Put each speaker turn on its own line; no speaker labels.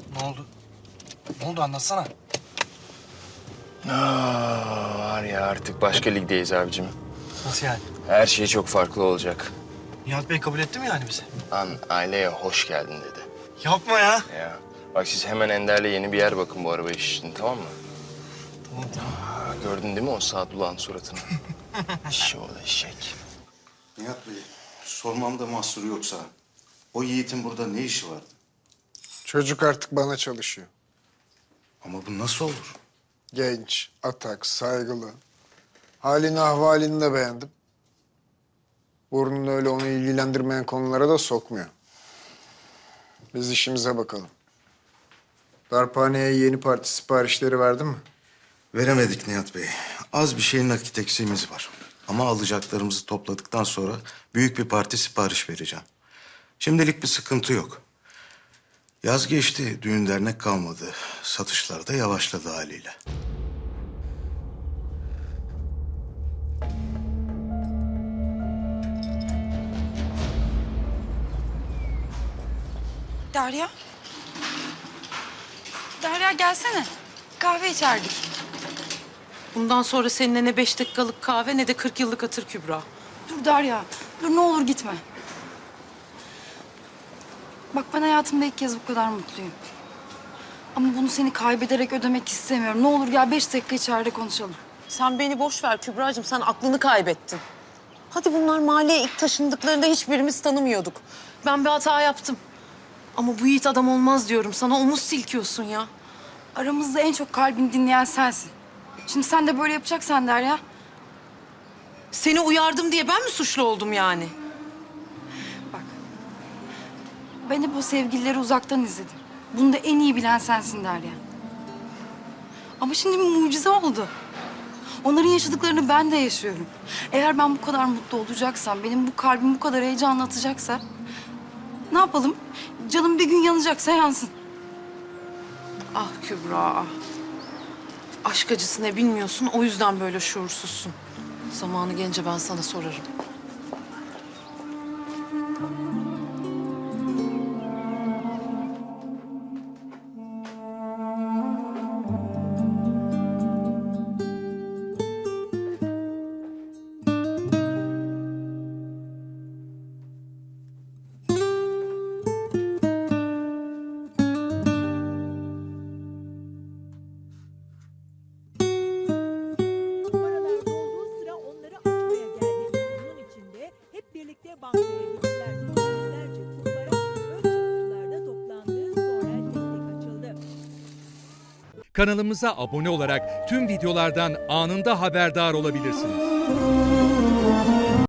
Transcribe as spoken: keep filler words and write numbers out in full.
Ne oldu? Ne oldu anlatsana.
Aa, var ya artık başka ligdeyiz abicim.
Nasıl yani?
Her şey çok farklı olacak.
Nihat Bey kabul etti mi yani bizi?
An aileye hoş geldin dedi.
Yapma ya.
Ya bak siz hemen Ender'le yeni bir yer bakın bu araba iş için, tamam mı?
Tamam tamam.
Aa, gördün değil mi o Sadulah'ın suratını? Şöyle eşek.
Nihat Bey, sormamda mahsuru yoksa o Yiğit'in burada ne işi vardı?
Çocuk artık bana çalışıyor.
Ama bu nasıl olur?
Genç, atak, saygılı. Halini ahvalini de beğendim. Burnunu öyle onu ilgilendirmeyen konulara da sokmuyor. Biz işimize bakalım. Darphaneye yeni parti siparişleri verdin mi?
Veremedik Nihat Bey. Az bir şey nakit eksiğimiz var. Ama alacaklarımızı topladıktan sonra büyük bir parti sipariş vereceğim. Şimdilik bir sıkıntı yok. Yaz geçti, düğün dernek kalmadı. Satışlar da yavaşladı haliyle.
Derya. Derya gelsene. Kahve içerdik.
Bundan sonra seninle ne beş dakikalık kahve ne de kırk yıllık hatır Kübra.
Dur Derya. Dur ne olur gitme. Bak ben hayatımda ilk kez bu kadar mutluyum. Ama bunu seni kaybederek ödemek istemiyorum. Ne olur gel beş dakika içeride konuşalım.
Sen beni boş ver Kübracığım, sen aklını kaybettin. Hadi bunlar mahalleye ilk taşındıklarında hiçbirimiz tanımıyorduk. Ben bir hata yaptım. Ama bu Yiğit adam olmaz diyorum sana, omuz silkiyorsun ya.
Aramızda en çok kalbini dinleyen sensin. Şimdi sen de böyle yapacaksan Derya.
Seni uyardım diye ben mi suçlu oldum yani?
Bak. Ben hep o sevgilileri uzaktan izledim. Bunu da en iyi bilen sensin Derya. Ama şimdi bir mucize oldu. Onların yaşadıklarını ben de yaşıyorum. Eğer ben bu kadar mutlu olacaksam, benim bu kalbim bu kadar heyecanla atacaksa... ...ne yapalım? Canım bir gün yanacaksa yansın.
Ah Kübra, ah. Aşk acısı ne bilmiyorsun, o yüzden böyle şuursuzsun. Zamanı gelince ben sana sorarım.
Numaralarda olduğu sıra onları açmaya geldi. Bunun için de hep birlikte bankaya gittiler. Yüzlerce kumbara önce kutularda toplandı, sonra tek tek açıldı.
Kanalımıza abone olarak tüm videolardan anında haberdar olabilirsiniz.